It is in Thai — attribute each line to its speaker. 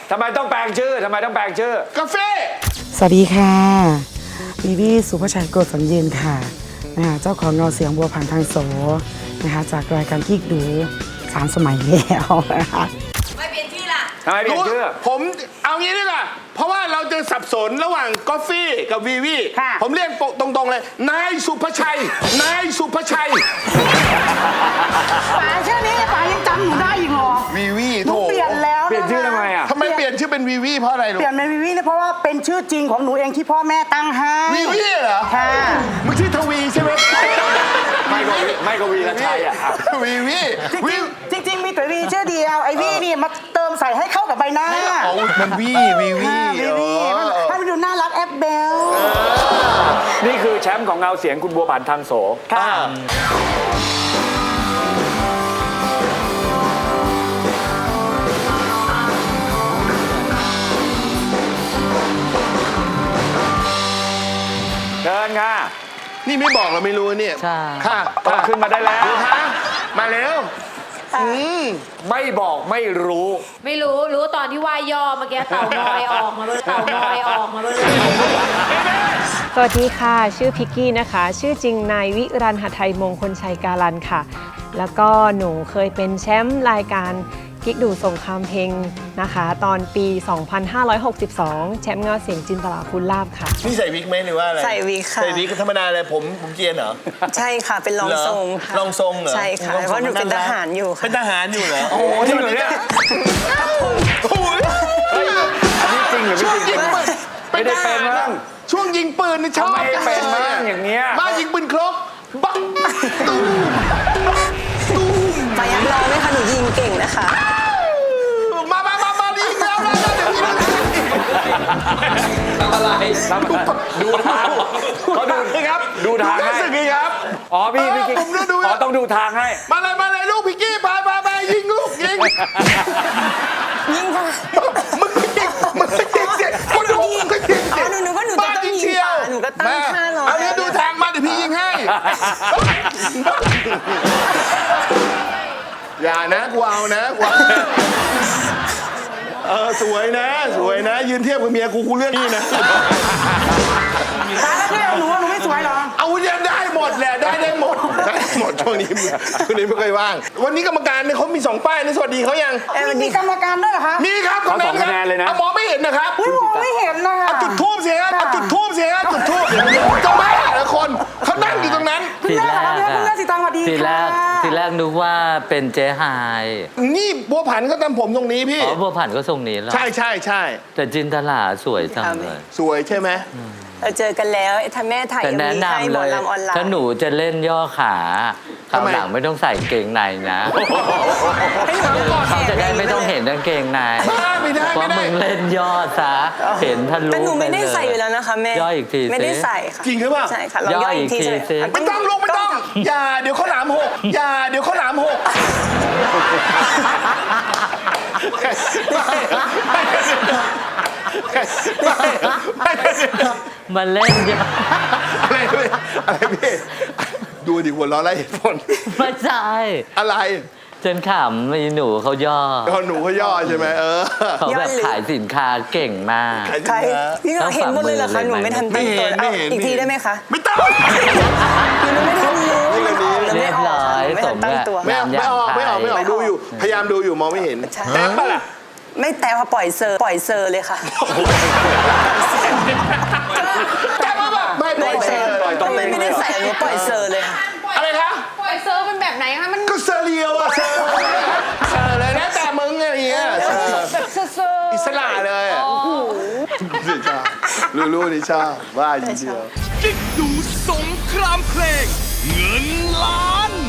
Speaker 1: ทำไมต้องแปลงชื่อ
Speaker 2: กาแฟ
Speaker 3: สวัสดีค่ะวีวีสุภชัยโกศสัญญินค่ะนะคะเจ้าของเงาเสียงบัวผ่านทางโสนะคะจากรายการกิ๊กดู3 สมัยแล้วนะคะ
Speaker 4: ไม่เปลี่ยนชื่อล่ะ
Speaker 1: ทำไมเปลี่ยนชื่อ
Speaker 2: ผมเอางี้ดีกว่าเพราะว่าเราจะสับสนระหว่างกาแฟกับวีวีผมเรียกตรงๆเลยนายสุภชัย
Speaker 3: ป๋าชื่อนี้ป๋ายังจำหนูได้อีกเหรอ
Speaker 2: วีวี
Speaker 3: หนู
Speaker 2: โถ
Speaker 3: เปลี่ยนแล้ว
Speaker 1: เปลี่ยนชื่อทำไมอ่ะ
Speaker 2: ทำไมเปลี่ยนชื่อเป็นวีวีเพราะอะไรลูก
Speaker 3: เปลี่ยนเป็นวีวีเนี่ยเพราะว่าเป็นชื่อจริงของหนูเองที่พ่อแม่ตั้งให้
Speaker 2: วีวีเหรอ
Speaker 3: ค่ะ
Speaker 2: มึงชื่อทวีใช่ไหม
Speaker 1: ไม่ก็วีละชัยอ่ะ
Speaker 2: วีวี
Speaker 3: จริงๆมีแต่วีชื่อเดียวไอ้วีนี่มาเติมใส่ให้เข้ากับใบหน้า
Speaker 2: อ๋อมันวีวี
Speaker 3: วีวีให้มันดูน่ารักแอปเบล
Speaker 1: นี่คือแชมป์ของเงาเสียงคุณบัวผันทางโส
Speaker 3: ค่ะ
Speaker 1: เชิญค่ะ
Speaker 2: นี่ไม่บอกเราไม่รู้เนี่ย
Speaker 5: ใช่
Speaker 2: ค่ะ
Speaker 1: ต้องขึ้นมาได้แล้ว
Speaker 2: ฮะมาเร็ว
Speaker 1: ไม่บอกไม่รู้
Speaker 4: ไม่รู้ตอนที่ว่าย่อเมื่อกี้เต่างอยออกมาเลย
Speaker 6: สวัสดีค่ะ ชื่อพิกกี้นะคะ ชื่อจริงนายวิรันหทัยมงคลชัยการันค่ะ แล้วก็หนูเคยเป็นแชมป์รายการกิ๊กดูสงครามเพลงนะคะ ตอนปี 2562 แชมป์เงาเสียงจินตลาภูลลาภค่ะ
Speaker 2: นี่ใส่วิกไหมหรือว่าอะไร
Speaker 7: ใส่วิกค่ะ
Speaker 2: ใส่วิกธรรมดาเลยผมเกรียนเหรอ
Speaker 7: ใช่ค่ะ เป็นรองทรงค่ะ
Speaker 2: รองทรงเหรอ
Speaker 7: ใช่ค่ะเพราะหนูเป็นทหารอยู่ค่ะ
Speaker 2: เป็นทหารอยู่เหรอ
Speaker 1: โอ้จริงเหรอเนี่ย
Speaker 2: โอ้ย
Speaker 1: อันนี้จริงหรือ
Speaker 2: ช่วง
Speaker 1: ไม่จริ
Speaker 2: ยิ
Speaker 1: ง
Speaker 2: งปืน
Speaker 1: ไม่ได้เป็นมั้ง
Speaker 2: ช่วงยิงปืนนี่ชอบ
Speaker 1: ทำไมเป็นบ้างอย่างเงี้ย
Speaker 2: บ้ายิงปืนครบบังตูมตูม
Speaker 7: ไปยักรอไหมคะหนูยิงเก่งนะคะ
Speaker 2: มายิงแล้วเดี๋ยวพี่
Speaker 1: ดูทางเขาดู
Speaker 2: ครับ
Speaker 1: ดูทาง
Speaker 2: รู้
Speaker 1: ให้
Speaker 2: สึกไงครับ
Speaker 1: อ๋อพี่กิ๊ก
Speaker 2: ผมดู
Speaker 1: อ๋อต้องดูทางให้
Speaker 2: มาเลยลูกพี่กี้ไปยิงลูกยิง
Speaker 7: ยิงค่ะ
Speaker 2: มึงยิงเสียคนดูมึงก็ยิง
Speaker 7: อ๋อหนูก็หนูจะต้องยิงป่าหนูก็ตั้งท่ารอ
Speaker 2: เอาเนี้ยดูทางมาเดี๋ยวพี่ยิงให้ อย่านะกูเอานะกูสวยนะยืนเทียบกับเมียกูเลือกนี่นะ
Speaker 3: ตายแล้วเนี่ยหนูไม่สวยเหรอ
Speaker 2: เอาเนี่ยได้หมดแหละได้หมดช่วงนี้ไม่เคยว่าง วันนี้กรรมการเนี่ยเขามี2 ป้ายนะสวัสดีเขายัง
Speaker 3: มีกรรมการด้วยเหรอคะ
Speaker 2: มีครับ
Speaker 1: เขาสองคะแนนเลยนะ
Speaker 2: มองไม่เห็นนะครับ
Speaker 3: อุ้ยมองไม่เห็นนะคะ
Speaker 2: จุดทูบสิฮะจุดทูบจะบ้าเหรอคนเขานั่งอยู่ตรงนั้น
Speaker 3: คุณแม่เหรอคะคุณแม่สีตางสวัสดี
Speaker 5: ทีแร
Speaker 3: ค่ะ
Speaker 5: กทีแรกนึกว่าเป็นเจ๊ไฮ
Speaker 2: นี่บัวผันเขาทำผมตรงนี้พี่
Speaker 5: อ๋อบัวผันก็ทรงนี้แล้ว
Speaker 2: ใช่
Speaker 5: แต่จินตลาสวยจังเลย
Speaker 2: สวยใช่ไหม
Speaker 7: เราเจอกันแล้วถ้าแม่ถ่าย
Speaker 5: แต่
Speaker 7: ยัง
Speaker 5: แนะ
Speaker 7: มีให้
Speaker 5: นำ
Speaker 7: หม
Speaker 5: เล
Speaker 7: อย ลำออนไล
Speaker 5: ถ้า
Speaker 7: น์
Speaker 5: หนูจะเล่นย่อขาคราว
Speaker 2: ทำไม
Speaker 5: หลังไม่ต้องใส่เกงในนะเขาจะได้ไม่ต้องเห็นกางเกงใน
Speaker 2: ไม่ได้
Speaker 5: เพราะมึงเล่นย่อซะเห็นทะลุ
Speaker 7: แต่หนูไม่ได้
Speaker 5: ปเลย
Speaker 7: ใส่อยู่แล้วนะคะแม่
Speaker 5: ย่ออีกที
Speaker 7: ไม่ได้
Speaker 5: สิ
Speaker 7: ใส่ค่ะ
Speaker 2: จริงหรือเปล่า
Speaker 7: ใช่ค่ะลองย่ออีกที
Speaker 5: ย่ออีกทีสิ
Speaker 2: ไม่ต้องลูกไม่ต้อง อย่าเดี๋ยวเขาหลามหกไม่
Speaker 5: มันเล่นย่อ
Speaker 2: อะไรพี่ดูดิหัวเราะไรเหตุผล
Speaker 5: ไม่ใช่
Speaker 2: อะไร
Speaker 5: จนขำมีหนูเขาย่อ
Speaker 2: หนูเขาย่อใช่ไหม
Speaker 5: เขาแบบขายสินค้าเก่งมาก
Speaker 7: ใครพี่เราเห็นหมดเลยเหรอคะหนูไม่ทันตั้งตัว
Speaker 2: ไม่เห็น
Speaker 7: อีกทีได้ไหมคะ
Speaker 2: ไม่ต้อง
Speaker 7: หนูไม่ทันรู้
Speaker 5: เรียบร้อย
Speaker 7: ไม่
Speaker 5: ส
Speaker 7: ทั
Speaker 5: ม
Speaker 7: นตั้ง
Speaker 5: กับ
Speaker 7: ตัว
Speaker 2: ไม่ออกดูอยู่พยายามดูอยู่มองไม่เห็น
Speaker 7: ใช่
Speaker 2: แท็บปะล่ะ
Speaker 7: ไม่แต่พอปล่อยเซอร์เลยค่ะ
Speaker 2: แท็บปะแบบไม่ปล่อยเซอร์
Speaker 7: ทำไมไม่ได้ใส่หนูปล่อยเซอร์เลยค่ะ
Speaker 2: อะไรคะ
Speaker 4: ปล่อยเซิร์ฟเป็นแบบไหนคะมัน
Speaker 2: ก็เซอร์เรียวอะเซอร์เลยนะแต่มึงอะไรเงี้ย
Speaker 4: แบบเซอร์
Speaker 2: อิสระเลยอะชอบรู้นี่ชอบว่าจริงๆ
Speaker 8: กิ๊กดูสงครามเพลงเงินล้าน